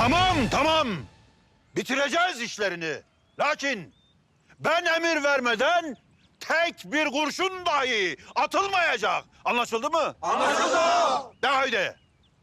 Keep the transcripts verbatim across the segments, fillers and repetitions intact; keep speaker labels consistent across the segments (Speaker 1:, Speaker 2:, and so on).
Speaker 1: Tamam, tamam. Bitireceğiz işlerini. Lakin ben emir vermeden tek bir kurşun dahi atılmayacak. Anlaşıldı mı? Anlaşıldı. De haydi.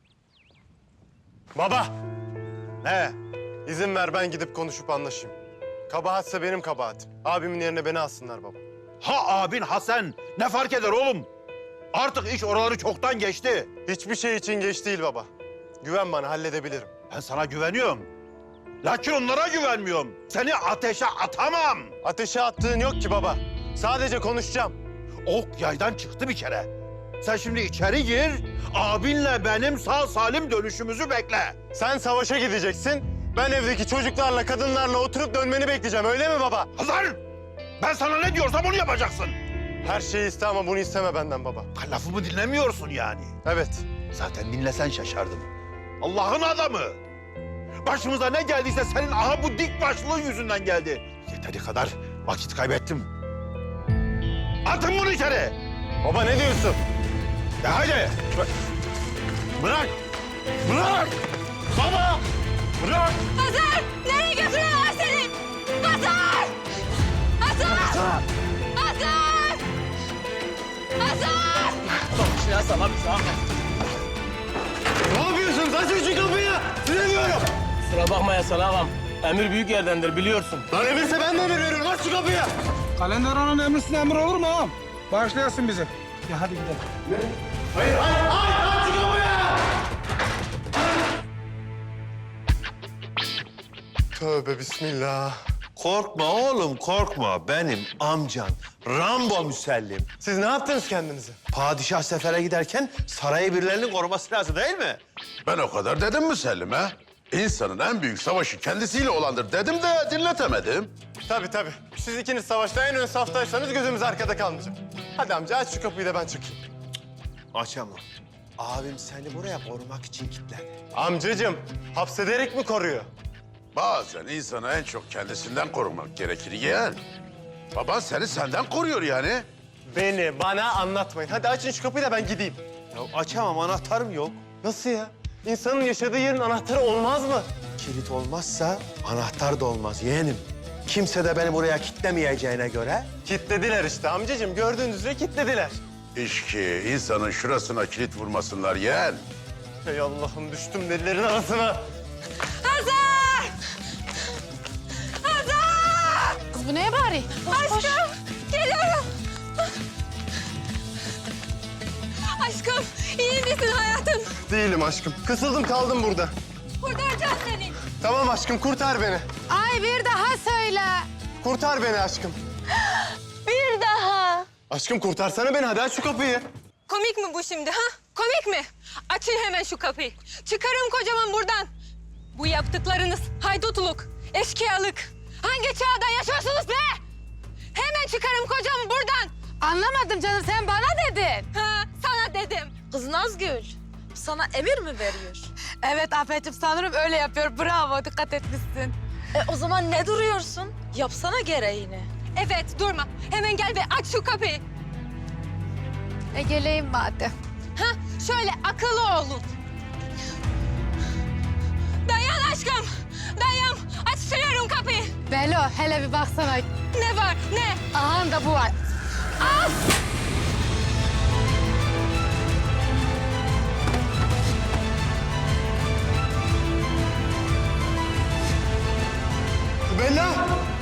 Speaker 2: Baba,
Speaker 1: Ne?
Speaker 2: izin ver ben gidip konuşup anlaşayım. Kabahatse benim kabahatim. Abimin yerine beni alsınlar baba.
Speaker 1: Ha abin ha sen. Ne fark eder oğlum? Artık iş oraları çoktan geçti.
Speaker 2: Hiçbir şey için geç değil baba. Güven bana, halledebilirim.
Speaker 1: Ben sana güveniyorum. Lakin onlara güvenmiyorum. Seni ateşe atamam.
Speaker 2: Ateşe attığın yok ki baba. Sadece konuşacağım.
Speaker 1: Ok yaydan çıktı bir kere. Sen şimdi içeri gir, abinle benim sağ salim dönüşümüzü bekle.
Speaker 2: Sen savaşa gideceksin. Ben evdeki çocuklarla, kadınlarla oturup dönmeni bekleyeceğim. Öyle mi baba?
Speaker 1: Hazar! Ben sana ne diyorsam onu yapacaksın.
Speaker 2: Her şeyi iste ama bunu isteme benden baba.
Speaker 1: Ha, lafımı dinlemiyorsun yani.
Speaker 2: Evet.
Speaker 1: Zaten dinlesen şaşardım. Allah'ın adamı. Başımıza ne geldiyse senin aha bu dik başlığın yüzünden geldi. Yeteri kadar vakit kaybettim. Atın bunu içeri.
Speaker 2: Baba ne diyorsun?
Speaker 1: Ya haydi. Bırak. Bırak. Baba. Bırak.
Speaker 3: Hazar! Nereye götürüyorlar seni? Hazar! Hazar! Hazar! Hazar! Hazar!
Speaker 2: Ne yapıyorsunuz? Açın şu kapıyı. Size diyorum.
Speaker 4: Kusura bakma ya sana ağam. Emir büyük yerdendir biliyorsun.
Speaker 2: Lan emirse ben de emir veriyorum. Aç şu kapıyı.
Speaker 5: Kalender ananın emrisiz emir olur mu ağam? Bağışlayasın bizi. Ya hadi gidelim.
Speaker 2: Hayır, hayır, hayır. Aç şu kapıyı. Tövbe bismillah.
Speaker 6: Korkma oğlum korkma. Benim amcan Rambo Müsellim.
Speaker 2: Siz ne yaptınız kendinize?
Speaker 6: Padişah sefere giderken sarayı birilerinin koruması lazım değil mi?
Speaker 7: Ben o kadar dedim Müsellim ha? İnsanın en büyük savaşı kendisiyle olandır dedim de dinletemedim.
Speaker 2: Tabii tabii. Siz ikiniz savaşta en ön saftaysanız gözümüz arkada kalmayacak. Hadi amca aç şu kapıyı da ben çıkayım.
Speaker 6: Açamam. Abim seni buraya korumak için kilitledi.
Speaker 2: Amcacığım, hapsederek mi koruyor?
Speaker 7: Bazen insanı en çok kendisinden korumak gerekir yeğen. Baban seni senden koruyor yani.
Speaker 2: Beni, bana anlatmayın. Hadi açın şu kapıyı da ben gideyim.
Speaker 6: Ya açamam anahtarım yok.
Speaker 2: Nasıl ya? İnsanın yaşadığı yerin anahtarı olmaz mı?
Speaker 6: Kilit olmazsa anahtar da olmaz yeğenim. Kimse de beni buraya kilitlemeyeceğine göre
Speaker 2: Kitlediler işte amcacığım. Gördüğünüz üzere kitlediler.
Speaker 7: İş ki insanın şurasına kilit vurmasınlar yeğen.
Speaker 2: Ey Allah'ım düştüm delilerin arasına.
Speaker 3: Hazar! Hazar!
Speaker 8: Kız bu neye bari?
Speaker 3: Aşkım! Geliyorum! Aşkım, iyi misin hayatım?
Speaker 2: Değilim aşkım. Kısıldım kaldım burada.
Speaker 3: Kurtaracağım seni.
Speaker 2: Tamam aşkım kurtar beni.
Speaker 8: Ay bir daha söyle.
Speaker 2: Kurtar beni aşkım.
Speaker 3: Bir daha.
Speaker 2: Aşkım kurtarsana beni. Hadi aç şu kapıyı.
Speaker 3: Komik mi bu şimdi ha? Komik mi? Açın hemen şu kapıyı. Çıkarın kocaman buradan. Bu yaptıklarınız haydutluk, eşkıyalık. Hangi çağda yaşıyorsunuz be? Hemen çıkarın kocamı buradan.
Speaker 8: Anlamadım canım sen bana dedin.
Speaker 3: Ha, sana dedim.
Speaker 9: Kız Nazgül, sana emir mi veriyor?
Speaker 8: Evet Afet'ciğim sanırım öyle yapıyor. Bravo dikkat etmişsin.
Speaker 9: E o zaman ne duruyorsun? Yapsana gereğini.
Speaker 3: Evet, durma. Hemen gel ve aç şu kapıyı.
Speaker 8: E geleyim madem.
Speaker 3: Ha, şöyle akıllı olun. Dayan aşkım. Dayan. Açıyorum kapıyı.
Speaker 8: Belo hele bir baksana.
Speaker 3: Ne var, ne?
Speaker 8: Aha da bu var.
Speaker 3: Al!
Speaker 2: Bella!